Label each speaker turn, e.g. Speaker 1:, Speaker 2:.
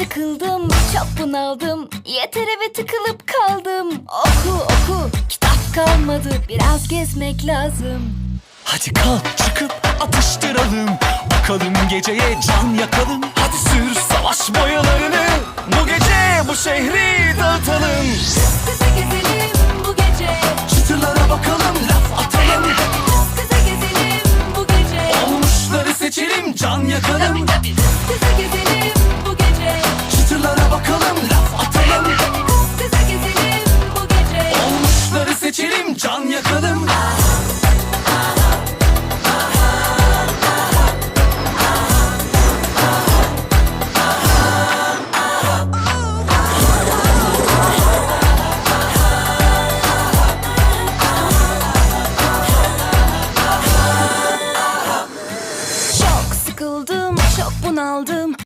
Speaker 1: sıkıldım, çok bunaldım, yeter eve tıkılıp kaldım. Oku oku, kitap kalmadı, biraz gezmek lazım.
Speaker 2: Hadi kalk çıkıp atıştıralım, bakalım geceye can yakalım.